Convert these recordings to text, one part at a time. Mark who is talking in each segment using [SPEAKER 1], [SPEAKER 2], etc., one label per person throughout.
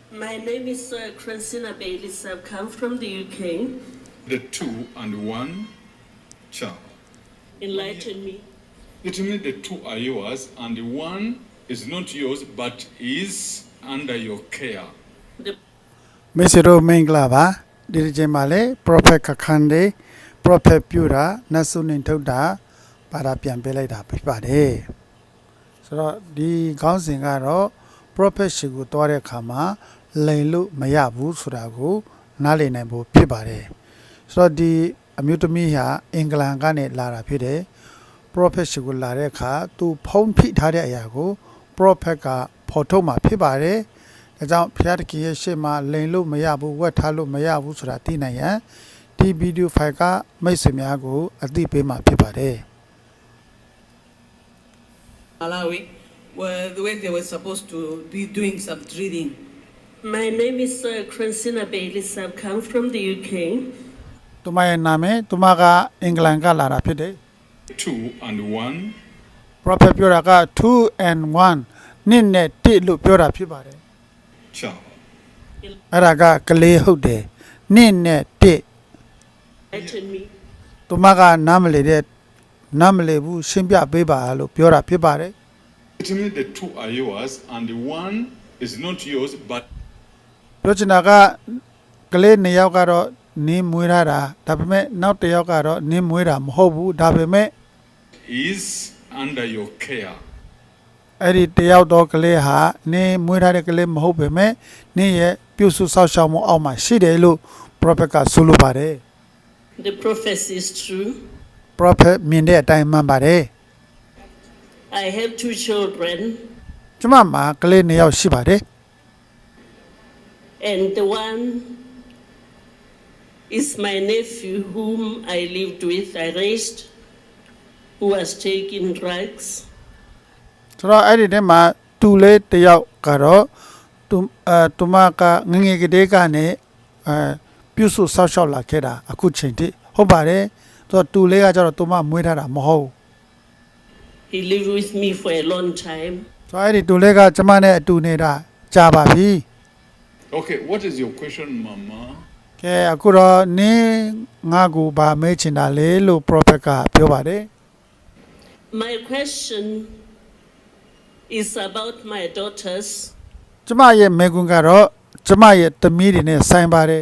[SPEAKER 1] My name is Christina Baylis. I've come from the UK.
[SPEAKER 2] The 2 and 1 child.
[SPEAKER 1] Enlighten me.
[SPEAKER 2] It means the 2 are yours and the 1 is not yours but is under your care.
[SPEAKER 1] The
[SPEAKER 3] Mr. Menglava, Dirigimale, Prophet Kakande, Prophet Pura, Nasun Toda, Parapian Beleda Pipade. So the Gouncing Arrow, Prophet Shigutore Kama, Leilu Mayabu Suragu, Nali Nebo Pibare. So the Amutumia, England Gane Lara Pide, Prophet Shigulareka, to Pom Pit Hadayago, Prophet Potoma Pibare. ဒါကြောင့်ဖျားတခင်ရဲ့ရှေ့မှာလိန်လို့မရဘူးဝက်ထားလို့မရဘူးဆိုတာသိနိုင်ရန်ဒီဗီဒီယိုဖိုင်ကမိတ်ဆွေများကိုအသိပေးမှာဖြစ်ပါတယ်
[SPEAKER 4] Malawi, where they were supposed to be doing some drilling.
[SPEAKER 1] My name is Christina Baylis. I've come from the UK.
[SPEAKER 3] သူမရဲ့နာမည်သူမကအင်္ဂလန်ကလာတာဖြစ်တယ်
[SPEAKER 2] 2 and 1
[SPEAKER 3] Prophet ပြောတာက2 and 1နှစ်နဲ့1လို့ပြောတာဖြစ်ပါတယ်
[SPEAKER 2] child.
[SPEAKER 3] အဲ့ဒါကကလေးဟုတ်တယ်နှစ်နဲ့1
[SPEAKER 1] Enlighten me.
[SPEAKER 3] သူမကနားမလည်ဘူးရှင်းပြပေးပါလို့ပြောတာဖြစ်ပါတယ်
[SPEAKER 2] It means the 2 are yours and the 1 is not yours but
[SPEAKER 3] ပြောချင်တာကကလေး2ယောက်ကတော့နင်းမွေးထားတာဒါပေမဲ့နောက်တစ်ယောက်ကတော့နင်းမွေးတာမဟုတ်ဘူးဒါပေမဲ့
[SPEAKER 2] is under your care.
[SPEAKER 3] အဲ့ဒီတယောက်တော့ကလေးဟာနင်းမွေးထားတဲ့ကလေးမဟုတ်ပေမဲ့နင်းရဲ့ပြုစုစောင့်ရှောက်မှုအောက်မှာရှိတယ်လို့ prophet ကဆိုလိုပါတယ်
[SPEAKER 1] The prophecy is true.
[SPEAKER 3] prophet မြင်တဲ့အတိုင်းမှန်ပါတယ်
[SPEAKER 1] I have 2 children,
[SPEAKER 3] ကျမမှာကလေး2ယောက်ရှိပါတယ်
[SPEAKER 1] and the one is my nephew whom I lived with, I raised, who was taking drugs.
[SPEAKER 3] ဆိုတော့အဲ့ဒီထဲမှာတူလေးတစ်ယောက်ကတော့သူမကငငယ်ကလေးကနေပြုစုစောင့်ရှောက်လာခဲ့တာအခုချိန်ထိဟုတ်ပါတယ်သူကတူလေးကကျတော့သူမမွေးထားတာမဟုတ်
[SPEAKER 1] He lived with me for a long time.
[SPEAKER 3] ဆိုတော့အဲ့ဒီတူလေးကကျမနဲ့အတူနေတာကြာပါပြီ
[SPEAKER 2] Okay, what is your question, Mama?
[SPEAKER 3] ကဲအခုတော့နင်းငါ့ကိုဗာမေးချင်တာလေလို့ prophet ကပြောပါတယ်
[SPEAKER 1] My question is about my daughters.
[SPEAKER 3] ကျမရဲ့မေကွန်းကတော့ကျမရဲ့သမီးတွေနဲ့ဆိုင်ပါတယ်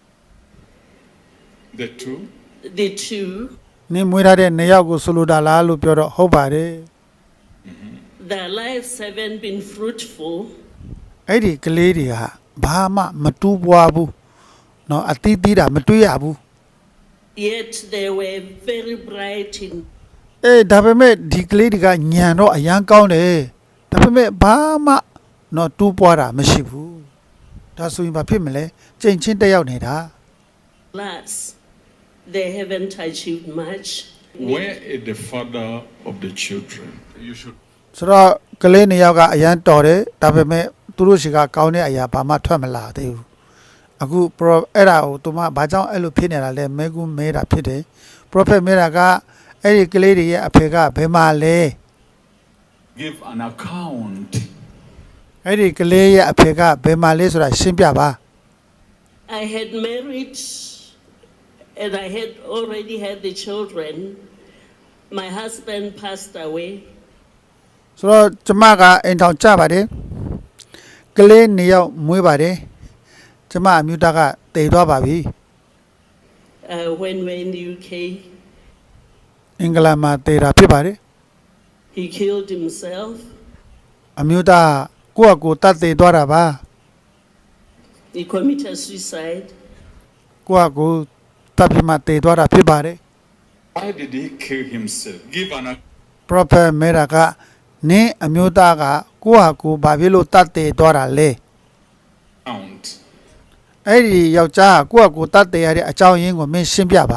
[SPEAKER 2] The 2?
[SPEAKER 1] The 2,
[SPEAKER 3] နင်းမွေးထားတဲ့2ယောက်ကိုဆိုလိုတာလားလို့ပြောတော့ဟုတ်ပါတယ်
[SPEAKER 1] their lives haven't been fruitful.
[SPEAKER 3] အဲ့ဒီကလေးတွေကဘာမှမတူးပွားဘူးเนาะအတီးတီးတာမတွေ့ရဘူး
[SPEAKER 1] Yet they were very bright in
[SPEAKER 3] ဒါပေမဲ့ဒီကလေးတွေကညံတော့အရန်ကောင်းတယ်ဒါပေမဲ့ဘာမှเนาะတူးပွားတာမရှိဘူးဒါဆိုရင်ဘာဖြစ်မလဲကြိမ်ချင်းတက်ရောက်နေတာ
[SPEAKER 1] class. They haven't achieved much.
[SPEAKER 2] Where is the father of the children? You should
[SPEAKER 3] ဆိုတော့ကလေး2ယောက်ကအရန်တော်တယ်ဒါပေမဲ့သူတို့ရှိကကောင်းတဲ့အရာဘာမှထွက်မလာသေးဘူးအခုအဲ့ဒါကိုသူမဘာကြောင့်အဲ့လိုဖြစ်နေတာလဲမဲကူးမဲတာဖြစ်တယ် prophet မဲတာကအဲ့ဒီကလေးတွေရဲ့အဖေကဘယ်မှာလဲ
[SPEAKER 2] give an account.
[SPEAKER 3] အဲ့ဒီကလေးရဲ့အဖေကဘယ်မှာလဲဆိုတာရှင်းပြပါ
[SPEAKER 1] I had married and I had already had the children. My husband passed away.
[SPEAKER 3] ဆိုတော့ကျမကအိမ်ထောင်ကြပါတယ်ကလေး2ယောက်မွေးပါတယ်ကျမအမျိုးသားကတည်သွားပါပြီ
[SPEAKER 1] When we were in the UK,
[SPEAKER 3] အင်္ဂလန်မှာတည်တာဖြစ်ပါတယ်
[SPEAKER 1] he killed himself.
[SPEAKER 3] အမျိုးသားကိုယ့်အကိုတတ်တည်သွားတာပါ
[SPEAKER 1] He committed suicide.
[SPEAKER 3] ကိုယ့်အကိုတတ်ပြီးမှတည်သွားတာဖြစ်ပါတယ်
[SPEAKER 2] Why did he kill himself? Give an
[SPEAKER 3] prophet မဲတာကနင်းအမျိုးသားကကိုယ့်ဟာကိုယ်ဘာဖြစ်လို့တတ်တည်သွားတာလဲ
[SPEAKER 2] account.
[SPEAKER 3] အဲ့ဒီယောက်ျားကကိုယ့်ဟာကိုယ်တတ်တည်ရတဲ့အကြောင်းရင်းကိုမင်းရှင်းပြပါ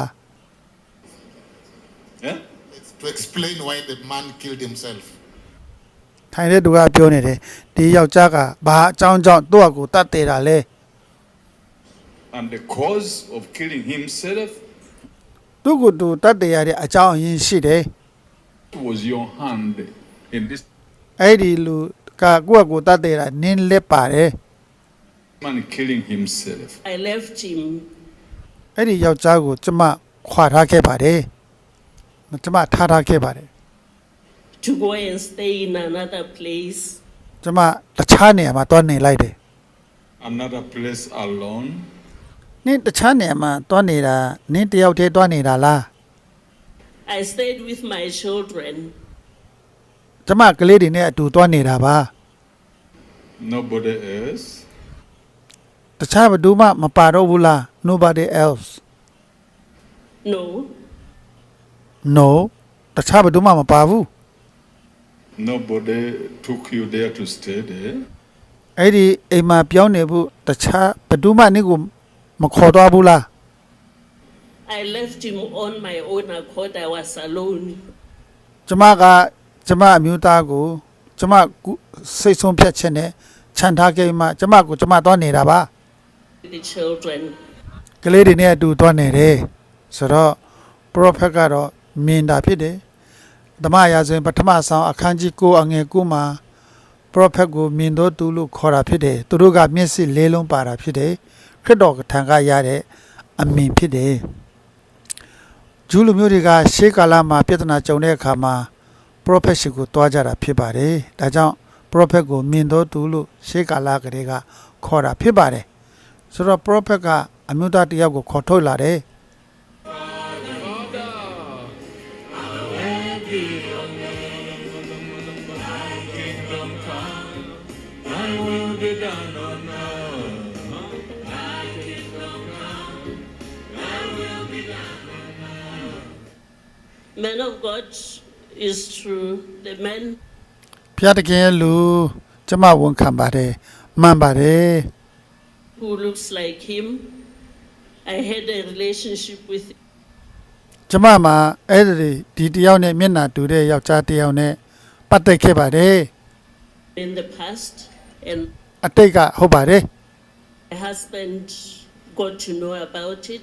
[SPEAKER 2] Yeah?
[SPEAKER 5] It's to explain why the man killed himself.
[SPEAKER 3] ထိုင်တဲ့သူကပြောနေတယ်ဒီယောက်ျားကဘာအကြောင်းကြောင့်သူ့ဟာကိုယ်တတ်တည်တာလဲ
[SPEAKER 2] And the cause of killing himself
[SPEAKER 3] သူ့ကိုယ်သူတတ်တည်ရတဲ့အကြောင်းအရင်းရှိတယ်
[SPEAKER 2] was your hand in this.
[SPEAKER 3] အဲ့ဒီလူကကိုယ့်ဟာကိုယ်တတ်တည်တာနင်းလက်ပါတယ်
[SPEAKER 2] man killing himself.
[SPEAKER 1] I left him
[SPEAKER 3] အဲ့ဒီယောက်ျားကိုကျမခွာထားခဲ့ပါတယ်ကျမထားထားခဲ့ပါတယ်
[SPEAKER 1] to go and stay in another place.
[SPEAKER 3] ကျမတခြားနေရာမှာတွားနေလိုက်တယ်
[SPEAKER 2] Another place alone.
[SPEAKER 3] နင်းတခြားနေရာမှာတွားနေတာနင်းတယောက်တည်းတွားနေတာလား
[SPEAKER 1] I stayed with my children.
[SPEAKER 3] ကျမကလေးတွေနဲ့အတူတွားနေတာပါ
[SPEAKER 2] Nobody else.
[SPEAKER 3] တခြားဘယ်သူမှမပါတော့ဘူးလား nobody else
[SPEAKER 1] No,
[SPEAKER 3] no တခြားဘယ်သူမှမပါဘူး
[SPEAKER 2] Nobody took you there to stay there.
[SPEAKER 3] အဲ့ဒီအိမ်မှာပြောင်းနေဖို့တခြားဘယ်သူမှနင့်ကိုမခေါ်သွားဘူးလား
[SPEAKER 1] I left him on my own accord. I was alone.
[SPEAKER 3] ကျမကကျမအမျိုးသားကိုကျမစိတ်ဆုံးဖြတ်ခြင်းနဲ့ခြံထားခဲ့မှကျမကိုကျမတွားနေတာပါ
[SPEAKER 1] The children.
[SPEAKER 3] ကလေးတွေနဲ့အတူတွားနေတယ်ဆိုတော့ prophet ကတော့မြင်တာဖြစ်တယ်ဓမ္မရာဇဝင်ပထမဆောင်အခန်းကြီး9အငယ်9မှာ prophet ကိုမြင်တော်သူလို့ခေါ်တာဖြစ်တယ်သူတို့ကမျက်စိလေးလုံးပါတာဖြစ်တယ်ခရစ်တော်ထံကရတဲ့အမြင်ဖြစ်တယ်ဂျူးလူမျိုးတွေကရှေးကာလမှာပြဿနာကြုံတဲ့အခါမှာ prophet ရှိကိုတွားကြတာဖြစ်ပါတယ်ဒါကြောင့် prophet ကိုမြင်တော်သူလို့ရှေးကာလကလေးကခေါ်တာဖြစ်ပါတယ်ဆိုတော့ prophet ကအမျိုးသားတစ်ယောက်ကိုခေါ်ထုတ်လာတယ်
[SPEAKER 1] Man of God is true. The man
[SPEAKER 3] ဖျားတကယ်လူကျမဝန်ခံပါတယ်မှန်ပါတယ်
[SPEAKER 1] who looks like him, I had a relationship with him
[SPEAKER 3] ကျမမှာအဲ့ဒီတယောက်နဲ့မျက်နှာတူတဲ့ယောက်ျားတယောက်နဲ့ပတ်သက်ခဲ့ပါတယ်
[SPEAKER 1] in the past, and
[SPEAKER 3] အတိတ်ကဟုတ်ပါတယ်
[SPEAKER 1] my husband got to know about it.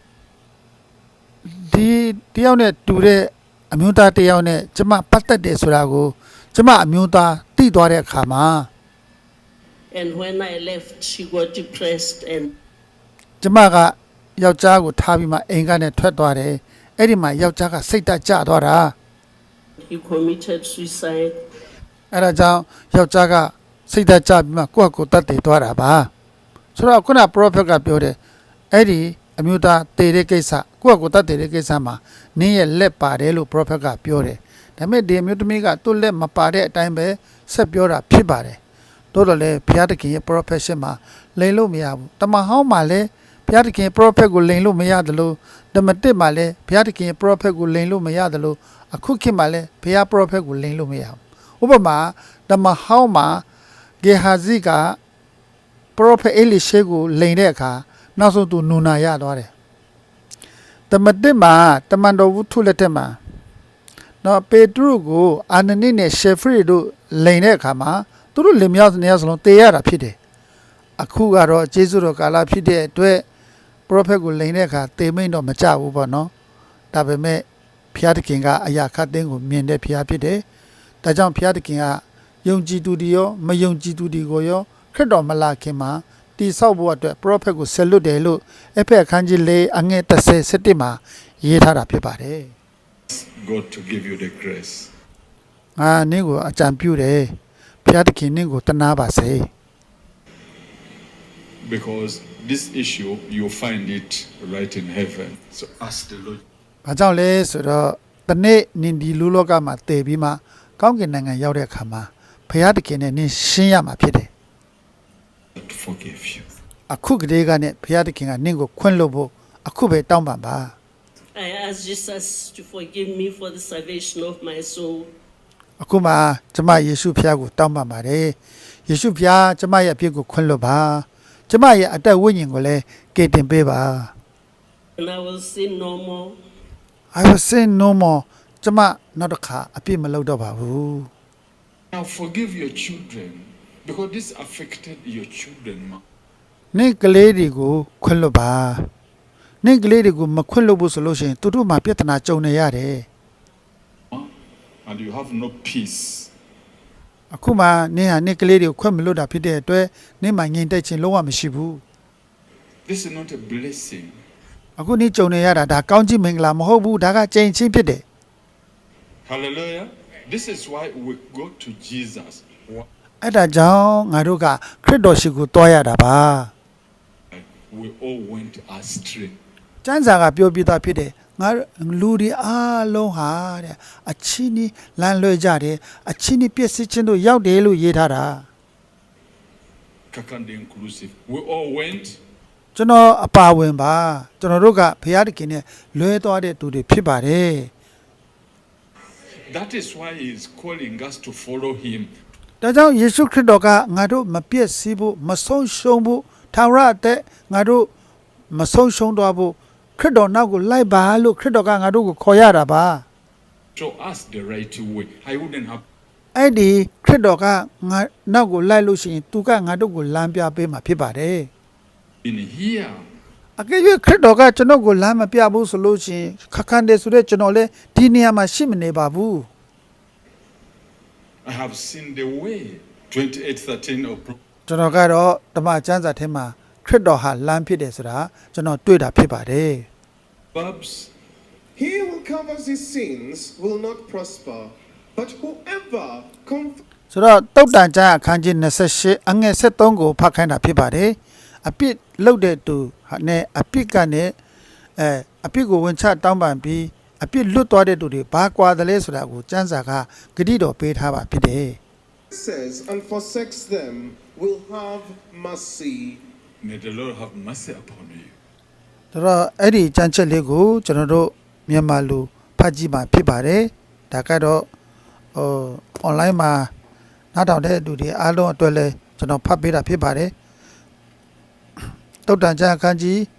[SPEAKER 3] ဒီတယောက်နဲ့တူတဲ့အမျိုးသားတယောက်နဲ့ကျမပတ်သက်တယ်ဆိုတာကိုကျမအမျိုးသားသိသွားတဲ့အခါမှာ
[SPEAKER 1] And when I left, she got depressed and
[SPEAKER 3] ကျမကယောက်ျားကိုထားပြီးမှအိမ်ကနေထွက်သွားတယ်အဲ့ဒီမှာယောက်ျားကစိတ်တက်ကြသွားတာ
[SPEAKER 1] he committed suicide.
[SPEAKER 3] အဲ့ဒါကြောင့်ယောက်ျားကစိတ်သက်ကြပြီးမှကိုယ့်အကိုတတ်တည်သွားတာပါဆိုတော့ခုန prophet ကပြောတယ်အဲ့ဒီအမျိုးသားတည်တဲ့ကိစ္စကိုယ့်အကိုတတ်တည်တဲ့ကိစ္စမှာနင်းရဲ့လက်ပါတယ်လို့ prophet ကပြောတယ်ဒါပေမဲ့ဒီအမျိုးသမီးကသူ့လက်မပါတဲ့အတိုင်းပဲဆက်ပြောတာဖြစ်ပါတယ်တိုးတော့လေဘုရားသခင်ရဲ့ prophet ရှင်းမှာလိန်လို့မရဘူးတမန်ဟောင်းမှာလည်းဘုရားသခင် prophet ကိုလိန်လို့မရတယ်လို့ဓမ္မတစ်မှာလည်းဘုရားသခင် prophet ကိုလိန်လို့မရတယ်လို့အခုခေတ်မှာလည်းဘုရား prophet ကိုလိန်လို့မရဘူးဥပမာဓမ္မဟောင်းမှာဂေဟာဇိက prophet အေလိရှေကိုလိန်တဲ့အခါနောက်ဆုံးသူနူနာရသွားတယ်ဓမ္မတစ်မှာတမန်တော်ဝုထုလက်ထက်မှာနော်ပေတရုကိုအာနနိနဲ့ရှေဖရီတို့လိန်တဲ့အခါမှာသူတို့လင်မြောက်နေရစလုံးတေရတာဖြစ်တယ်အခုကတော့ဂျေဇုတော်ကာလဖြစ်တဲ့အတွက် prophet ကိုလိန်တဲ့အခါတေမိန်တော့မကြဘူးပေါ့နော်ဒါပေမဲ့ဘုရားသခင်ကအရာခတ်သိမ်းကိုမြင်တဲ့ဘုရားဖြစ်တယ်ဒါကြောင့်ဘုရားသခင်ကယုံကြည်သူတွေရောမယုံကြည်သူတွေကိုရောခရစ်တော်မလာခင်မှာတိဆောက်ဖို့အတွက် prophet ကိုဆက်လွတ်တယ်လို့အဖက်အခန်းကြီး၄အငယ်37မှာရေးထားတာဖြစ်ပါတယ်
[SPEAKER 2] God to give you the grace.
[SPEAKER 3] ငါနင့်ကိုအကြံပြုတယ်ဘုရားသခင်နင့်ကိုတနာပါစေ
[SPEAKER 2] Because this issue, you find it right in heaven. So ask the Lord.
[SPEAKER 3] ။ဘာကြောင့်လဲဆိုတော့တနေ့နင်ဒီလူလောကမှာတည်ပြီးမှကောင်းကင်နိုင်ငံရောက်တဲ့အခါမှာဘုရားသခင်နဲ့နင်ရှင်းရမှာဖြစ်တယ်
[SPEAKER 2] To forgive you.
[SPEAKER 3] ။အခုကလေးကနဲ့ဘုရားသခင်ကနင့်ကိုခွင့်လွှတ်ဖို့အခုပဲတောင်းပန်ပါ
[SPEAKER 1] I asked Jesus to forgive me for the salvation of my soul.
[SPEAKER 3] ။အခုမှကျမယေရှုဖျားကိုတောင်းပန်ပါတယ်။ယေရှုဖျားကျမရဲ့အပြစ်ကိုခွင့်လွှတ်ပါ။ကျမရဲ့အသက်ဝိညာဉ်ကိုလည်းကယ်တင်ပေးပါ
[SPEAKER 1] And I will sin no more.
[SPEAKER 3] I will sin no more ကျမနောက်တစ်ခါအပြစ်မလုပ်တော့ပါဘူး
[SPEAKER 2] Now forgive your children. Because this affected your children.
[SPEAKER 3] နင့်ကလေးတွေကိုခွင့်လွှတ်ပါနင့်ကလေးတွေကိုမခွင့်လွှတ်ဘူးဆိုလို့ရှိရင်သူတို့မှာပြဿနာကြုံနေရတယ်
[SPEAKER 2] And you have no peace.
[SPEAKER 3] အခုမှနင်းဟာနင်းကလေးတွေကိုခွင့်မလို့တာဖြစ်တဲ့အတွက်နင်းမှငြိမ်သက်ခြင်းလုံးဝမရှိဘူး
[SPEAKER 2] This is not a blessing.
[SPEAKER 3] အခုနင်းကြုံနေရတာဒါကောင်းကြီးမင်္ဂလာမဟုတ်ဘူးဒါကကြိမ်ချင်းဖြစ်တယ်
[SPEAKER 2] Hallelujah. This is why we go to Jesus. Why
[SPEAKER 3] အဲ့ဒါကြောင့်ငါတို့ကခရစ်တော်ရှိကိုတွားရတာပါ
[SPEAKER 2] we all went astray.
[SPEAKER 3] ကျမ်းစာကပြောပြတာဖြစ်တယ်ငါလူတွေအားလုံးဟာတဲ့အချင်းကြီးလမ်းလွှဲကြတယ်အချင်းကြီးပြည့်စည်ခြင်းတို့ရောက်တယ်လို့ရေးထားတာ
[SPEAKER 2] Kakande inclusive. We all went.
[SPEAKER 3] ကျွန်တော်အပါဝင်ပါကျွန်တော်တို့ကဘုရားသခင်နဲ့လွဲသွားတဲ့သူတွေဖြစ်ပါတယ်
[SPEAKER 2] That is why he is calling us to follow him.
[SPEAKER 3] ဒါကြောင့်ယေရှုခရစ်တော်ကငါတို့မပြည့်စည်ဖို့မဆုံးရှုံးဖို့ထာဝရအသက်ငါတို့မဆုံးရှုံးတော့ဖို့ခရစ်တော်နောက်ကိုလိုက်ပါလို့ခရစ်တော်ကငါတို့ကိုခေါ်ရတာပါ
[SPEAKER 2] Show us the right way. I wouldn't have
[SPEAKER 3] အဲ့ဒီခရစ်တော်ကငါနောက်ကိုလိုက်လို့ရှိရင်သူကငါတို့ကိုလမ်းပြပေးမှာဖြစ်ပါတယ်
[SPEAKER 2] been here.
[SPEAKER 3] အကယ်၍ခရစ်တော်ကကျွန်တော်ကိုလမ်းမပြဘူးဆိုလို့ရှိရင်ခက်ခန်းတယ်ဆိုတဲ့ကျွန်တော်လည်းဒီနေရာမှာရှိမနေပါဘူး
[SPEAKER 2] I have seen the way. 28:13 of
[SPEAKER 3] ကျွန်တော်ကတော့ဓမ္မကျမ်းစာထဲမှာခရစ်တော်ဟာလမ်းဖြစ်တယ်ဆိုတာကျွန်တော်တွေ့တာဖြစ်ပါတယ်
[SPEAKER 2] Proverbs.
[SPEAKER 6] He who covers his sins will not prosper, but whoever confesses
[SPEAKER 3] ဆိုတော့တုတ်တန်ကျမ်းအခန်းကြီး28အငယ်73ကိုဖတ်ခိုင်းတာဖြစ်ပါတယ်အပြစ်လုပ်တဲ့သူနဲ့အပြစ်ကနေအပြစ်ကိုဝင်ချတောင်းပန်ပြီးအပြစ်လွတ်သွားတဲ့သူတွေဘာကွာတယ်လဲဆိုတာကိုကျမ်းစာကဂတိတော်ပေးထားပါဖြစ်တယ်
[SPEAKER 6] and forsakes them will have mercy.
[SPEAKER 2] May the Lord have mercy upon you.
[SPEAKER 3] ဆိုတော့အဲ့ဒီကျမ်းချက်လေးကိုကျွန်တော်တို့မြန်မာလူဖတ်ကြည့်မှဖြစ်ပါတယ်ဒါကတော့online မှာနားထောင်တဲ့လူတွေအားလုံးအတွက်လည်းကျွန်တော်ဖတ်ပေးတာဖြစ်ပါတယ်တုတ်တန်ကျမ်းအခန်းကြီး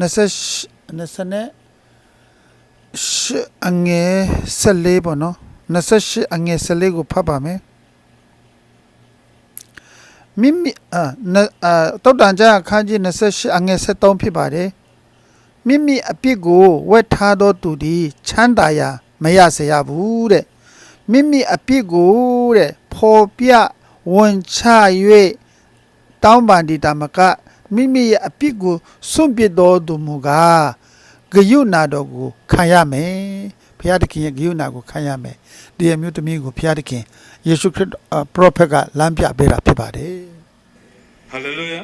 [SPEAKER 3] 28အငယ်14ပေါ့နော်28အငယ်14ကိုဖတ်ပါမယ်မိမိတုတ်တန်ကျမ်းအခန်းကြီး28အငယ်73ဖြစ်ပါတယ်မိမိအပြစ်ကိုဝက်ထားသောသူသည်ချမ်းသာရာမရစေရဘူးတဲ့မိမိအပြစ်ကိုတဲ့ဖော်ပြဝန်ချ၍တောင်းပန်ဒီတမကမိမိရဲ့အပြစ်ကိုစွန့်ပစ်တော်သူမူကားဂယုဏတော်ကိုခံရမယ်ဘုရားသခင်ရဲ့ဂယုဏကိုခံရမယ်ဒီအမျိုးသမီးကိုဘုရားသခင်ယေရှုခရစ်ပရောဖက်ကလမ်းပြပေးတာဖြစ်ပါတယ်
[SPEAKER 2] Hallelujah.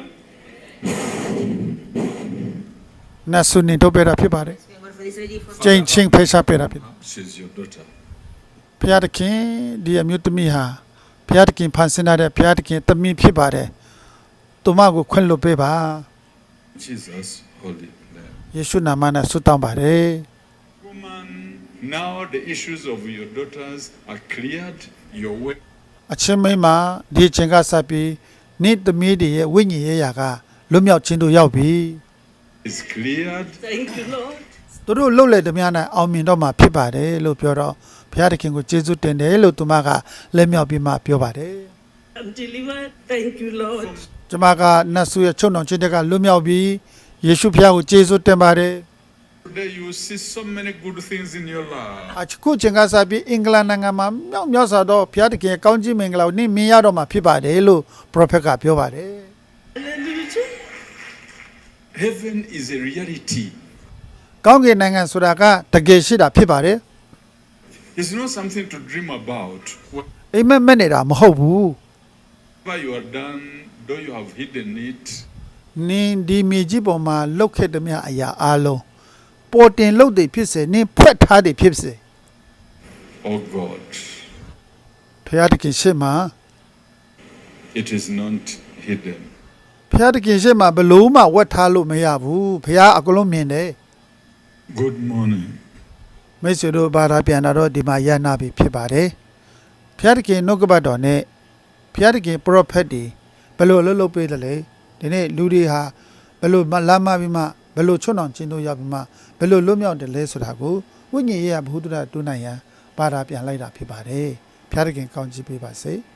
[SPEAKER 3] နတ်ဆုနေတော့ပေးတာဖြစ်ပါတယ်ကျင့်ချင်းဖေးရှားပေးတာဖြစ်
[SPEAKER 2] She's your daughter.
[SPEAKER 3] ဘုရားသခင်ဒီအမျိုးသမီးဟာဘုရားသခင်ဖန်ဆင်းထားတဲ့ဘုရားသခင်သမီးဖြစ်ပါတယ်သူမကိုခွင့်လွှတ်ပေးပါ
[SPEAKER 2] Jesus, holy name.
[SPEAKER 3] ယေရှုနာမနဲ့ဆုတောင်းပါတယ်
[SPEAKER 2] Woman, now the issues of your daughters are cleared. Your way
[SPEAKER 3] အချင်းမိန်းမဒီအချိန်ကစပြီးနေ့သမီးတွေရဲ့ဝိညာဉ်ရေးရာကလွတ်မြောက်ခြင်းတို့ရောက်ပြီ
[SPEAKER 2] is cleared.
[SPEAKER 1] Thank you, Lord.
[SPEAKER 3] သူတို့လှုပ်လေသမျှနဲ့အောင်မြင်တော့မှာဖြစ်ပါတယ်လို့ပြောတော့ဘုရားသခင်ကိုကျေးဇူးတင်တယ်လို့သူမကလက်မြောက်ပြီးမှပြောပါတယ်
[SPEAKER 1] I'm delivered. Thank you, Lord.
[SPEAKER 3] ကျွန်မကနတ်ဆုရဲ့ချုံတော်ခြင်းတက်ကလွတ်မြောက်ပြီးယေရှုဖျားကိုကျေးဇူးတင်ပါတယ်
[SPEAKER 2] Today you see so many good things in your life.
[SPEAKER 3] အခုချိန်ကစပြီးအင်္ဂလန်နိုင်ငံမှာမြောက်မြောက်စွာတော့ဘုရားသခင်ရဲ့ကောင်းကြီးမင်္ဂလာကိုနေ့မြင်ရတော့မှာဖြစ်ပါတယ်လို့ပရောဖက်ကပြောပါတယ်
[SPEAKER 1] Hallelujah.
[SPEAKER 2] Heaven is a reality.
[SPEAKER 3] ကောင်းကင်နိုင်ငံဆိုတာကတကယ်ရှိတာဖြစ်ပါတယ်
[SPEAKER 2] It's not something to dream about.
[SPEAKER 3] အိမ်မက်မက်နေတာမဟုတ်ဘူး
[SPEAKER 2] Whatever you are done, though you have hidden it,
[SPEAKER 3] နင်းဒီမြေကြီးပေါ်မှာလှုပ်ခဲ့တဲ့မြအရာအလုံးပေါ်တင်လှုပ်တွေဖြစ်စေနင်းဖွက်ထားတွေဖြစ်စေ
[SPEAKER 2] oh God,
[SPEAKER 3] ဘုရားသခင်ရှေ့မှာ
[SPEAKER 2] it is not hidden.
[SPEAKER 3] ဘုရားသခင်ရှေ့မှာဘလို့မှဝတ်ထားလို့မရဘူးဘုရားအကုန်လုံးမြင်တယ်
[SPEAKER 2] Good morning.
[SPEAKER 3] မိတ်ဆွေတို့ဘာသာပြန်လာတော့ဒီမှာရနာပြီဖြစ်ပါတယ်ဘုရားသခင်နှုတ်ကပတ်တော်နဲ့ဘုရားသခင်ပရောဖက်တွေဘယ်လိုလှုပ်လှုပ်ပေးတယ်လဲဒီနေ့လူတွေဟာဘယ်လိုလမ်းမပြီးမှဘယ်လိုချွတ်အောင်ကျင်းတို့ရောက်ပြီးမှဘယ်လိုလွတ်မြောက်တယ်လဲဆိုတာကိုဝိညာဉ်ရေးရဘုဒ္ဓတူနိုင်ရန်ဘာသာပြန်လိုက်တာဖြစ်ပါတယ်ဘုရားသခင်ကောင်းချီးပေးပါစေ